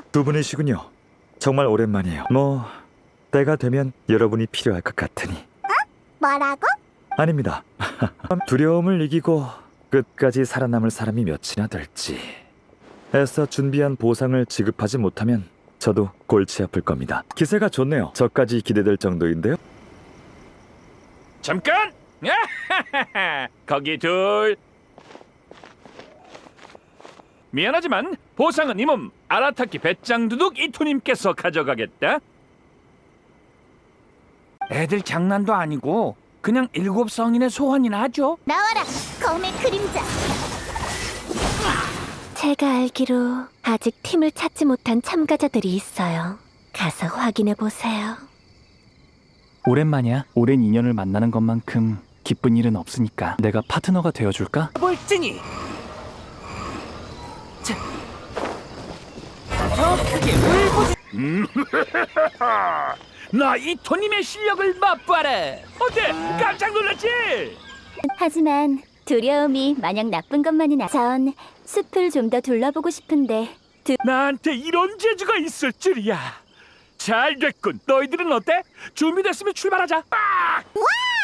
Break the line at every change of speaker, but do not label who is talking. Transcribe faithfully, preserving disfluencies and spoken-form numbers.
두 분이시군요. 정말 오랜만이에요. 뭐 때가 되면 여러분이 필요할 것 같으니.
뭐라고?
아닙니다. 두려움을 이기고 끝까지 살아남을 사람이 몇이나 될지. 애써 준비한 보상을 지급하지 못하면 저도 골치 아플 겁니다. 기세가 좋네요. 저까지 기대될 정도인데요.
잠깐! 거기 둘. 미안하지만 보상은 이 몸 아라타키 배짱두둑 이토님께서 가져가겠다. 애들 장난도 아니고 그냥 일곱 성인의 소원이나 하죠.
나와라, 검의 그림자.
제가 알기로 아직 팀을 찾지 못한 참가자들이 있어요. 가서 확인해 보세요.
오랜만이야. 오랜 인연을 만나는 것만큼 기쁜 일은 없으니까 내가 파트너가 되어줄까?
볼증이. 자, 더 크게 울고. 나 이토님의 실력을 맛봐라. 어때? 깜짝 놀랐지?
하지만 두려움이 마냥 나쁜 것만은 아... 전 숲을 좀 더 둘러보고 싶은데
나한테 이런 재주가 있을 줄이야. 잘 됐군. 너희들은 어때? 준비됐으면 출발하자. 아!
와!